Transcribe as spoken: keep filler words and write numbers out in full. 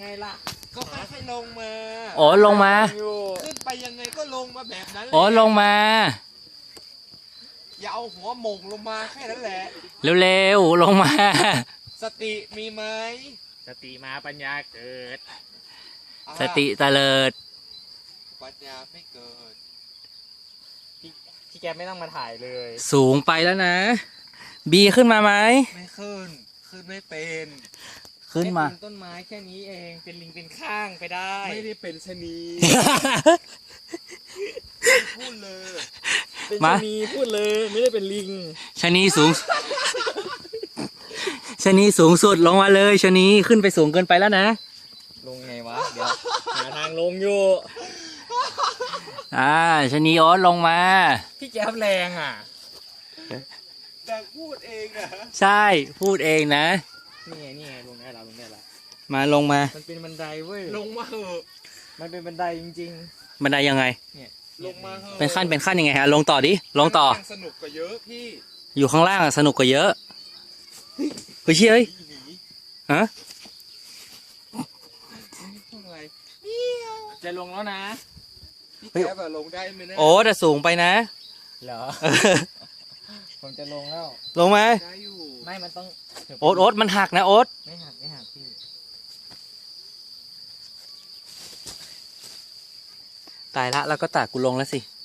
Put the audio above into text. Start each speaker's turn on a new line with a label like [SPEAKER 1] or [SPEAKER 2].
[SPEAKER 1] ล่ะก็ค่อยๆลงมา
[SPEAKER 2] อ๋อลงมา
[SPEAKER 1] ขึ้นไปยังไงก็ลงมาแบบนั้น
[SPEAKER 2] อ๋อลงมา
[SPEAKER 1] อย่าเอาหัวหม่งลงมาแค่นั้นแหละ
[SPEAKER 2] เร็วๆลงมา
[SPEAKER 1] สติมีไหม
[SPEAKER 3] สติมาปัญญาเกิด
[SPEAKER 1] อ่า
[SPEAKER 2] สติเตลิด
[SPEAKER 1] ปัญญาไม่เกิด
[SPEAKER 3] พี่พี่แกไม่ต้องมาถ่ายเลย
[SPEAKER 2] สูงไปแล้วนะ บีขึ้นมาไหม
[SPEAKER 1] ไม่ขึ้นขึ้นไม่เป็น
[SPEAKER 2] ขึ้นมา
[SPEAKER 3] แค่ปีต้นไม้แค่นี้เองเป็นลิงเป็นข้างไปได้
[SPEAKER 1] ไม่ได้เป็นชะนีพูดเลย
[SPEAKER 3] เป็น
[SPEAKER 2] มา
[SPEAKER 3] ชะนีพูดเลยไม่ได้เป็นลิง
[SPEAKER 2] ชะนีสูงชะนีสูงสุดลงมาเลยชะนีขึ้นไปสูงเกินไปแล้วนะ
[SPEAKER 3] ลงไงวะเดี๋ยวหาทางลงอยู่
[SPEAKER 2] อ่าชะนีโอ๊ตลงมา
[SPEAKER 3] พี่แก๊ปแรงอ่ะ
[SPEAKER 1] แต่พูดเองนะ
[SPEAKER 2] ใช่พูดเองนะ
[SPEAKER 3] นี่ไงนี่ไงลงได้แล้วลงได้แล้ว
[SPEAKER 2] มาลงมา
[SPEAKER 3] มันเป็นบันไดเว้ย
[SPEAKER 1] ลงมาเหอะ
[SPEAKER 3] มันเป็นบันไดจริง
[SPEAKER 2] บันไดยังไง
[SPEAKER 3] ๆเนี่ย
[SPEAKER 1] ลงมาเหอะ
[SPEAKER 2] เป็นขั้นเป็นขั้นยังไงฮะลงต่อดิลงต่อ
[SPEAKER 1] ข้างล่างสนุกกว่าเยอะพี่
[SPEAKER 2] อยู่ข้างล่างอะสนุกกว่าเยอะเฮ้ยเชี่ยเอ้ย
[SPEAKER 1] หนี
[SPEAKER 2] ฮะ
[SPEAKER 1] พูดอะไร
[SPEAKER 3] จะลงแล้วนะ
[SPEAKER 1] พี่แก๊ปอะลงได้ไหมนะ
[SPEAKER 2] โอ้แต่สูงไปนะ
[SPEAKER 3] เหรอ ผมจะลงแล้ว
[SPEAKER 2] ลงมา
[SPEAKER 1] ได้อยู่
[SPEAKER 3] ไม่มันต้อง
[SPEAKER 2] โอ๊ตโอ๊ตมันหักนะโอ๊ต
[SPEAKER 3] ไม่หักไม่หักพี่
[SPEAKER 2] ตายละแล้วก็ตากกูลงแล้วสิ